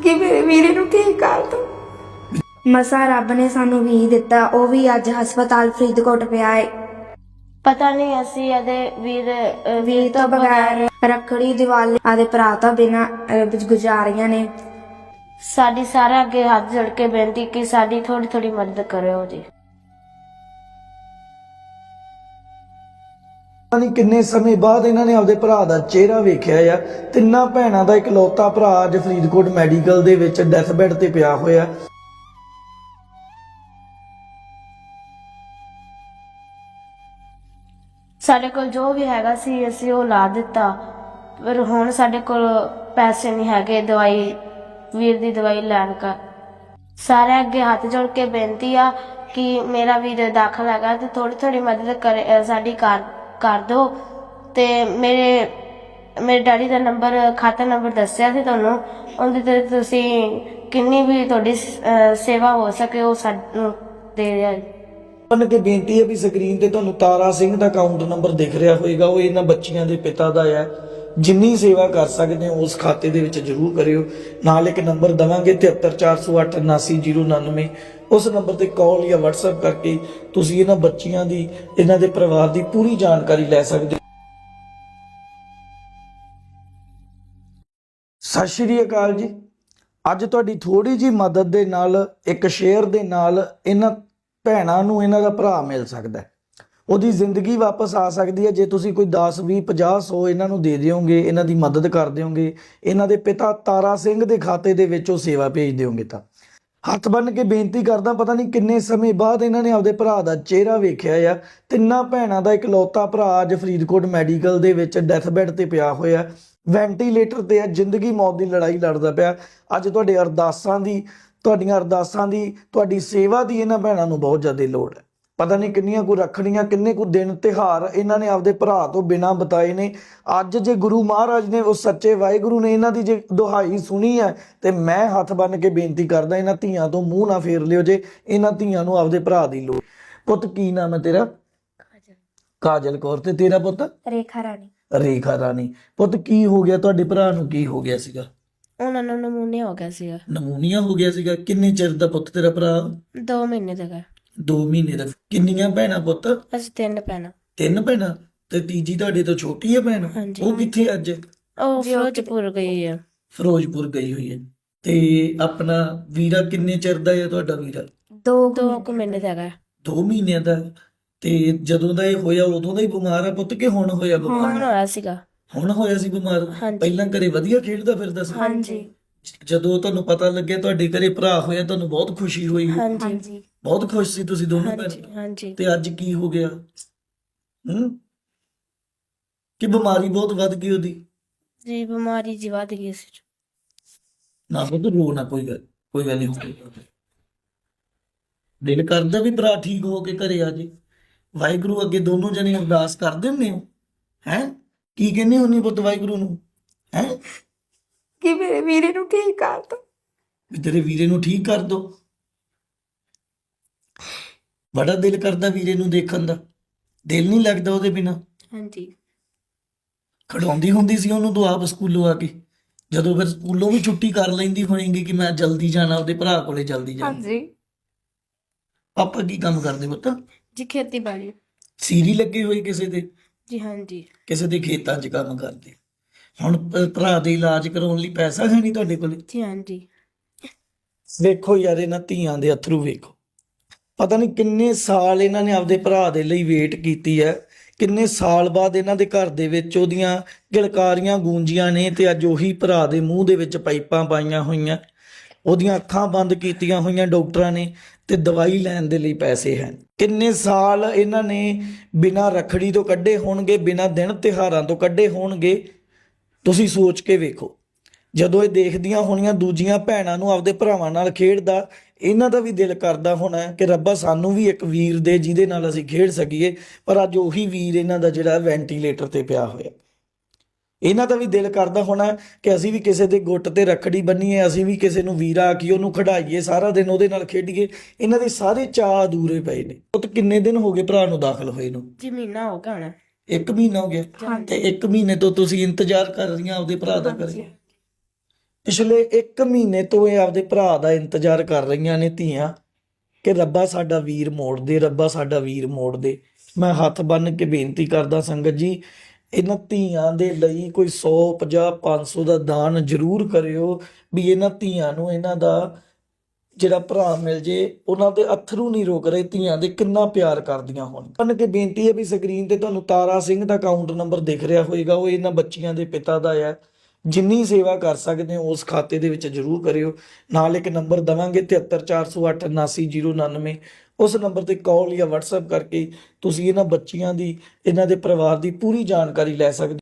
ਕਿ ਮੇਰੇ ਵੀਰੇ ਨੂੰ ਠੀਕ ਕਰ ਦੋ। ਮਸਾ ਰੱਬ ਨੇ ਸਾਨੂੰ ਵੀ ਦਿੱਤਾ, ਉਹ ਵੀ ਅੱਜ ਹਸਪਤਾਲ ਫਰੀਦਕੋਟ ਪਿਆ ਏ। ਪਤਾ ਨਹੀਂ ਅਸੀਂ ਇਹਦੇ ਵੀਰ ਤੋਂ ਬਗੈਰ ਰੱਖੜੀ ਦੀਵਾਲੀ ਆਦੇ ਭਰਾ ਤੋਂ ਬਿਨਾਂ ਗੁਜ਼ਾਰੀਆਂ ਨੇ। ਸਾਡੀ ਸਾਰਾ ਅੱਗੇ ਹੱਥ ਜੋੜ ਕੇ ਬੇਨਤੀ ਕਿ ਸਾਡੀ ਥੋੜੀ ਥੋੜੀ ਮਦਦ ਕਰਿਓ ਜੀ। ਪਤਾ ਨਹੀਂ ਕਿੰਨੇ ਸਮੇਂ ਬਾਅਦ ਇਹਨਾਂ ਨੇ ਆਪਦੇ ਭਰਾ ਦਾ ਚਿਹਰਾ ਵੇਖਿਆ ਆ। ਤਿੰਨਾਂ ਭੈਣਾਂ ਦਾ ਇਕਲੌਤਾ ਭਰਾ ਅੱਜ ਫਰੀਦਕੋਟ ਮੈਡੀਕਲ ਦੇ ਵਿੱਚ ਡੈਥ ਬੈੱਡ ਤੇ ਪਿਆ ਹੋਇਆ। ਸਾਡੇ ਕੋਲ ਜੋ ਵੀ ਹੈਗਾ ਸੀ ਅਸੀਂ ਉਹ ਲਾ ਦਿੱਤਾ, ਪਰ ਹੁਣ ਸਾਡੇ ਕੋਲ ਪੈਸੇ ਨਹੀਂ ਹੈਗੇ ਦਵਾਈ ਵੀਰ ਦੀ ਦਵਾਈ ਲੈਣ ਦਾ। ਸਾਰੇ ਅੱਗੇ ਹੱਥ ਜੋੜ ਕੇ ਬੇਨਤੀ ਆ ਕਿ ਮੇਰਾ ਵੀਰ ਦਾਖਲ ਹੈਗਾ ਤੇ ਥੋੜੀ ਥੋੜੀ ਮਦਦ ਕਰੇ ਸਾਡੀ ਕਰ ਦਿਓ। ਤੇ ਮੇਰੇ ਡੈਡੀ ਦਾ ਨੰਬਰ ਖਾਤਾ ਨੰਬਰ ਦੱਸਿਆ ਸੀ ਤੁਹਾਨੂੰ, ਉਹਦੇ ਤੇ ਤੁਸੀਂ ਕਿੰਨੀ ਵੀ ਤੁਹਾਡੀ ਸੇਵਾ ਹੋ ਸਕੇ ਉਹ ਸਾਨੂੰ ਦੇ ਦਿਆ। ਬਣ ਕੇ ਬੇਨਤੀ ਹੈ ਵੀ ਸਕਰੀਨ ਤੇ ਤੁਹਾਨੂੰ ਤਾਰਾ ਸਿੰਘ ਦਾ ਅਕਾਊਂਟ ਨੰਬਰ ਦਿਖ ਰਿਹਾ ਹੋਵੇਗਾ, ਉਹ ਇਹਨਾਂ ਬੱਚੀਆਂ ਦੇ ਪਿਤਾ ਦਾ ਹੈ। ਜਿੰਨੀ ਸੇਵਾ ਕਰ ਸਕਦੇ ਹੋ ਉਸ ਖਾਤੇ ਦੇ ਵਿੱਚ ਜ਼ਰੂਰ ਕਰਿਓ। ਨਾਲ ਇੱਕ ਨੰਬਰ ਦਵਾਂਗੇ 7340879099, ਉਸ ਨੰਬਰ ਤੇ ਕਾਲ ਜਾਂ WhatsApp ਕਰਕੇ ਤੁਸੀਂ ਇਹਨਾਂ ਬੱਚੀਆਂ ਦੀ, ਇਹਨਾਂ ਦੇ ਪਰਿਵਾਰ ਦੀ ਪੂਰੀ ਜਾਣਕਾਰੀ ਲੈ ਸਕਦੇ ਹੋ। ਸਤਿ ਸ਼੍ਰੀ ਅਕਾਲ ਜੀ। ਅੱਜ ਤੁਹਾਡੀ ਥੋੜੀ ਜੀ ਮਦਦ ਦੇ ਨਾਲ, ਇੱਕ ਸ਼ੇਅਰ ਦੇ ਨਾਲ ਇਹਨਾਂ ਭੈਣਾਂ ਨੂੰ ਇਹਨਾਂ ਦਾ ਭਰਾ ਮਿਲ ਸਕਦਾ ਹੈ, ਉਹਦੀ ਜ਼ਿੰਦਗੀ ਵਾਪਸ ਆ ਸਕਦੀ ਹੈ ਜੇ ਤੁਸੀਂ ਕੋਈ 10 20 50 100 ਇਹਨਾਂ ਨੂੰ ਦੇ ਦਿਓਗੇ, ਇਹਨਾਂ ਦੀ ਮਦਦ ਕਰ ਦਿਓਗੇ, ਇਹਨਾਂ ਦੇ ਪਿਤਾ ਤਾਰਾ ਸਿੰਘ ਦੇ ਖਾਤੇ ਦੇ ਵਿੱਚ ਉਹ ਸੇਵਾ ਭੇਜ ਦਿਓਗੇ। ਤਾਂ ਹੱਥ ਬੰਨ੍ਹ ਕੇ ਬੇਨਤੀ ਕਰਦਾ, ਪਤਾ ਨਹੀਂ ਕਿੰਨੇ ਸਮੇਂ ਬਾਅਦ ਇਹਨਾਂ ਨੇ ਆਪਦੇ ਭਰਾ ਦਾ ਚਿਹਰਾ ਵੇਖਿਆ ਆ। ਤਿੰਨਾਂ ਭੈਣਾਂ ਦਾ ਇਕਲੌਤਾ ਭਰਾ ਅੱਜ ਫਰੀਦਕੋਟ ਮੈਡੀਕਲ ਦੇ ਵਿੱਚ ਡੈਥ ਬੈੱਡ ਤੇ ਪਿਆ ਹੋਇਆ, ਵੈਂਟੀਲੇਟਰ ਤੇ ਆ, ਜ਼ਿੰਦਗੀ ਮੌਤ ਦੀ ਲੜਾਈ ਲੜਦਾ ਪਿਆ। ਅੱਜ ਤੁਹਾਡੀਆਂ ਅਰਦਾਸਾਂ ਦੀ, ਤੁਹਾਡੀ ਸੇਵਾ ਦੀ ਇਹਨਾਂ ਭੈਣਾਂ ਨੂੰ ਬਹੁਤ ਜ਼ਿਆਦਾ ਲੋੜ ਹੈ। ਪਤਾ ਨਹੀਂ ਕਿੰਨੀਆਂ ਕੁ ਰੱਖੜੀਆਂ, ਕਿੰਨੇ ਕੁ ਦਿਨ ਤਿਉਹਾਰ ਇਹਨਾਂ ਨੇ ਆਪਦੇ ਭਰਾ ਤੋਂ ਬਿਨਾਂ ਬਿਤਾਏ ਨੇ। ਅੱਜ ਜੇ ਗੁਰੂ ਮਹਾਰਾਜ ਨੇ, ਉਹ ਸੱਚੇ ਵਾਹਿਗੁਰੂ ਨੇ ਇਹਨਾਂ ਦੀ ਜੇ ਦੁਹਾਈ ਸੁਣੀ ਹੈ ਤੇ ਮੈਂ ਹੱਥ ਬੰਨ੍ਹ ਕੇ ਬੇਨਤੀ ਕਰਦਾ, ਇਹਨਾਂ ਧੀਆਂ ਤੋਂ ਮੂੰਹ ਨਾ ਫੇਰ ਲਿਓ ਜੇ ਇਹਨਾਂ ਧੀਆਂ ਨੂੰ ਆਪਦੇ ਭਰਾ ਦੀ ਲੋੜ। ਪੁੱਤ ਕੀ ਨਾਮ ਹੈ ਤੇਰਾ? ਕਾਜਲ ਕੌਰ। ਤੇ ਤੇਰਾ ਪੁੱਤ? ਰੇਖਾ ਰਾਣੀ। ਰੇਖਾ ਰਾਣੀ। ਪੁੱਤ ਕੀ ਹੋ ਗਿਆ ਤੁਹਾਡੇ ਭਰਾ ਨੂੰ? ਕੀ ਹੋ ਗਿਆ ਸੀਗਾ? ਉਹਨਾਂ ਨੂੰ ਨਮੂਨੀਆ ਹੋ ਗਿਆ ਸੀਗਾ। ਨਮੂਨੀਆ ਹੋ ਗਿਆ ਸੀਗਾ? ਕਿੰਨੇ ਚਿਰ ਦਾ ਪੁੱਤ ਤੇਰਾ ਭਰਾ? 2 ਮਹੀਨੇ ਦਾ। 2 ਮਹੀਨੇ ਦਾ। ਕਿੰਨੀਆਂ ਭੈਣਾਂ ਪੁੱਤ? ਅਸੀਂ 3 ਭੈਣਾਂ। 3 ਭੈਣਾਂ। ਤੇ ਤੀਜੀ ਤੁਹਾਡੇ ਤੋਂ ਛੋਟੀ ਹੈ ਭੈਣ? ਉਹ ਕਿੱਥੇ ਅੱਜ? ਉਹ ਫਿਰੋਜ਼ਪੁਰ ਗਈ ਹੈ। ਫਿਰੋਜ਼ਪੁਰ ਗਈ ਹੋਈ ਹੈ। ਤੇ ਆਪਣਾ ਵੀਰਾ ਕਿੰਨੇ ਚਿਰ ਦਾ ਹੈ ਤੁਹਾਡਾ ਵੀਰਾ? 2 ਮਹੀਨੇ ਦਾ ਹੈਗਾ। 2 ਮਹੀਨਿਆਂ ਦਾ। ਤੇ ਜਦੋਂ ਦਾ ਇਹ ਹੋਇਆ ਉਦੋਂ ਦਾ ਹੀ ਬਿਮਾਰ ਆ ਪੁੱਤ ਕਿ ਹੁਣ ਹੋਇਆ ਬਿਮਾਰ? ਹੁਣ ਹੋਇਆ ਸੀਗਾ। ਹੁਣ ਹੋਇਆ ਸੀ ਬਿਮਾਰ? ਪਹਿਲਾਂ ਘਰੇ ਵਧੀਆ ਖੇਡਦਾ ਫਿਰਦਾ ਸੀ? ਹਾਂਜੀ। ਜਦੋਂ ਤੁਹਾਨੂੰ ਪਤਾ ਲੱਗਿਆ ਤੁਹਾਡੇ ਘਰੇ ਭਰਾ ਹੋਇਆ, ਤੁਹਾਨੂੰ ਬਹੁਤ ਖੁਸ਼ੀ ਹੋਈ? ਹਾਂਜੀ। ਬਹੁਤ ਖੁਸ਼ ਸੀ ਤੁਸੀਂ ਦੋਨੋਂ ਭੈਣ? ਹਾਂਜੀ। ਤੇ ਅੱਜ ਕੀ ਹੋ ਗਿਆ? ਕਿ ਬਿਮਾਰੀ ਬਹੁਤ ਵੱਧ ਗਈ ਉਹਦੀ? ਜੀ ਬਿਮਾਰੀ ਜੀ ਵੱਧ ਗਈ ਸੀ। ਨਾ ਪੁੱਤ ਰੋ ਨਾ, ਕੋਈ ਗੱਲ ਨਹੀਂ ਹੋਊਗੀ। ਦਿਲ ਕਰਦਾ ਵੀ ਭਰਾ ਠੀਕ ਹੋ ਕੇ ਘਰੇ ਆ ਜੇ। ਵਾਹਿਗੁਰੂ ਅੱਗੇ ਦੋਨੋਂ ਜਣੇ ਅਰਦਾਸ ਕਰਦੇ ਹੁੰਦੇ ਹੋ? ਹੈ ਕੀ ਕਹਿੰਦੇ ਹੁੰਦੇ ਪੁੱਤ ਵਾਹਿਗੁਰੂ ਨੂੰ? ਹੈ ਕਿ ਮੇਰੇ ਵੀਰੇ ਨੂੰ ਠੀਕ ਕਰ ਦੋ। ਵੀ ਤੇਰੇ ਵੀਰੇ ਨੂੰ ਠੀਕ ਕਰ ਦੋ। ਬੜਾ ਦਿਲ ਕਰਦਾ ਵੀਰੇ ਨੂੰ ਦੇਖਣ ਦਾ। ਦਿਲ ਨਹੀਂ ਲੱਗਦਾ ਉਹਦੇ ਬਿਨਾ? ਹਾਂਜੀ। ਖੜਾਉਂਦੀ ਹੁੰਦੀ ਸੀ ਉਹਨੂੰ ਤੂੰ ਆਪ ਸਕੂਲੋਂ ਆ ਕੇ? ਜਦੋਂ ਫਿਰ ਸਕੂਲੋਂ ਵੀ ਛੁੱਟੀ ਕਰ ਲੈਂਦੀ ਹੋਏਗੀ ਕਿ ਮੈਂ ਜਲਦੀ ਜਾਣਾ ਉਹਦੇ ਭਰਾ ਕੋਲੇ, ਜਲਦੀ ਜਾਣਾ। ਹਾਂਜੀ। ਪਾਪਾ ਕੀ ਕੰਮ ਕਰਦੇ ਪੁੱਤ? ਜੀ ਖੇਤੀਬਾੜੀ। ਸੀਰੀ ਲੱਗੇ ਹੋਏ ਕਿਸੇ ਦੇ? ਜੀ ਹਾਂਜੀ। ਕਿਸੇ ਦੇ ਖੇਤਾਂ 'ਚ ਕੰਮ ਕਰਦੇ। ਹੁਣ ਭਰਾ ਦੇ ਇਲਾਜ ਕਰਾਉਣ ਲਈ ਪੈਸਾ ਹੈ ਨਹੀਂ ਤੁਹਾਡੇ ਕੋਲੇ? ਜੀ ਹਾਂਜੀ। ਵੇਖੋ ਯਾਰ ਇਹਨਾਂ ਧੀਆਂ ਦੇ ਅਥਰੂ ਵੇਖੋ। ਪਤਾ ਨਹੀਂ ਕਿੰਨੇ ਸਾਲ ਇਹਨਾਂ ਨੇ ਆਪਦੇ ਭਰਾ ਦੇ ਲਈ ਵੇਟ ਕੀਤੀ ਹੈ। ਕਿੰਨੇ ਸਾਲ ਬਾਅਦ ਇਹਨਾਂ ਦੇ ਘਰ ਦੇ ਵਿੱਚ ਉਹਦੀਆਂ ਗਿਲਕਾਰੀਆਂ ਗੂੰਜੀਆਂ ਨੇ ਤੇ ਅੱਜ ਉਹੀ ਭਰਾ ਦੇ ਮੂੰਹ ਦੇ ਵਿੱਚ ਪਾਈਪਾਂ ਪਾਈਆਂ ਹੋਈਆਂ, ਉਹਦੀਆਂ ਅੱਖਾਂ ਬੰਦ ਕੀਤੀਆਂ ਹੋਈਆਂ ਡਾਕਟਰਾਂ ਨੇ, ਤੇ ਦਵਾਈ ਲੈਣ ਦੇ ਲਈ ਪੈਸੇ ਹੈ। ਕਿੰਨੇ ਸਾਲ ਇਹਨਾਂ ਨੇ ਬਿਨਾਂ ਰੱਖੜੀ ਤੋਂ ਕੱਢੇ ਹੋਣਗੇ, ਬਿਨਾਂ ਦਿਨ ਤਿਉਹਾਰਾਂ ਤੋਂ ਕੱਢੇ ਹੋਣਗੇ। ਤੁਸੀਂ ਸੋਚ ਕੇ ਵੇਖੋ। ਜਦੋਂ ਇਹ ਦੇਖਦੀਆਂ ਹੋਣੀਆਂ ਦੂਜੀਆਂ ਭੈਣਾਂ ਨੂੰ ਆਪਦੇ ਭਰਾਵਾਂ ਨਾਲ ਖੇਡਦਾ, ਇਹਨਾਂ ਦਾ ਵੀ ਦਿਲ ਕਰਦਾ ਹੋਣਾ ਕਿ ਰੱਬਾ ਸਾਨੂੰ ਵੀ ਇੱਕ ਵੀਰ ਦੇ ਜਿਹਦੇ ਨਾਲ ਅਸੀਂ ਖੇਡ ਸਕੀਏ। ਪਰ ਅੱਜ ਉਹੀ ਵੀਰ ਇਹਨਾਂ ਦਾ ਜਿਹੜਾ ਵੈਂਟੀਲੇਟਰ ਤੇ ਪਿਆ ਹੋਇਆ। ਇਹਨਾਂ ਦਾ ਵੀ ਦਿਲ ਕਰਦਾ ਹੋਣਾ ਕਿ ਅਸੀਂ ਵੀ ਕਿਸੇ ਦੇ ਗੁੱਟ ਤੇ ਰੱਖੜੀ ਬੰਨੀਏ, ਅਸੀਂ ਵੀ ਕਿਸੇ ਨੂੰ ਵੀਰਾ ਆਖੀਏ, ਉਹਨੂੰ ਖਿਡਾਈਏ, ਸਾਰਾ ਦਿਨ ਉਹਦੇ ਨਾਲ ਖੇਡੀਏ। ਇਹਨਾਂ ਦੇ ਸਾਰੇ ਚਾਅ ਅਧੂਰੇ ਪਏ ਨੇ। ਉਹ ਤਾਂ ਕਿੰਨੇ ਦਿਨ ਹੋ ਗਏ ਭਰਾ ਨੂੰ ਦਾਖਲ ਹੋਏ ਨੂੰ? ਜੀ ਮਹੀਨਾ ਹੋ ਗਿਆ ਹੋਣਾ। 1 ਮਹੀਨਾ ਹੋ ਗਿਆ। ਤੇ 1 ਮਹੀਨੇ ਤੋਂ ਤੁਸੀਂ ਇੰਤਜ਼ਾਰ ਕਰ ਰਹੀਆਂ ਆਪਦੇ ਭਰਾ ਦਾ ਕਰੇ। ਪਿਛਲੇ 1 ਮਹੀਨੇ ਤੋਂ ਇਹ ਆਪਦੇ ਭਰਾ ਦਾ ਇੰਤਜ਼ਾਰ ਕਰ ਰਹੀਆਂ ਨੇ ਧੀਆਂ ਕਿ ਰੱਬਾ ਸਾਡਾ ਵੀਰ ਮੋੜ ਦੇ, ਰੱਬਾ ਸਾਡਾ ਵੀਰ ਮੋੜ ਦੇ। ਮੈਂ ਹੱਥ ਬੰਨ੍ਹ ਕੇ ਬੇਨਤੀ ਕਰਦਾ ਸੰਗਤ ਜੀ, ਇਹਨਾਂ ਧੀਆਂ ਦੇ ਲਈ ਕੋਈ 100 50 500 ਦਾ ਦਾਨ ਜ਼ਰੂਰ ਕਰਿਓ ਵੀ ਇਹਨਾਂ ਧੀਆਂ ਨੂੰ ਇਹਨਾਂ ਦਾ ਜਿਹੜਾ ਭਰਾ ਮਿਲ ਜੇ। ਉਹਨਾਂ ਦੇ ਅਥਰੂ ਨਹੀਂ ਰੁਕ ਰਹੇ, ਧੀਆਂ ਦੇ ਕਿੰਨਾ ਪਿਆਰ ਕਰਦੀਆਂ ਹੋਣ। ਬੰਨ ਕੇ ਬੇਨਤੀ ਹੈ ਵੀ ਸਕਰੀਨ ਤੇ ਤੁਹਾਨੂੰ ਤਾਰਾ ਸਿੰਘ ਦਾ ਅਕਾਊਂਟ ਨੰਬਰ ਦਿਖ ਰਿਹਾ ਹੋਏਗਾ, ਉਹ ਇਹਨਾਂ ਬੱਚੀਆਂ ਦੇ ਪਿਤਾ ਦਾ ਹੈ। ਜਿੰਨੀ ਸੇਵਾ ਕਰ ਸਕਦੇ ਹੋ ਉਸ ਖਾਤੇ ਦੇ ਵਿੱਚ ਜ਼ਰੂਰ ਕਰਿਓ। ਨਾਲ ਇੱਕ ਨੰਬਰ ਦਵਾਂਗੇ 7340879099, ਉਸ ਨੰਬਰ ਤੇ ਕਾਲ ਜਾਂ WhatsApp ਕਰਕੇ ਤੁਸੀਂ ਇਹਨਾਂ ਬੱਚੀਆਂ ਦੀ, ਇਹਨਾਂ ਦੇ ਪਰਿਵਾਰ ਦੀ ਪੂਰੀ ਜਾਣਕਾਰੀ ਲੈ ਸਕਦੇ ਹੋ।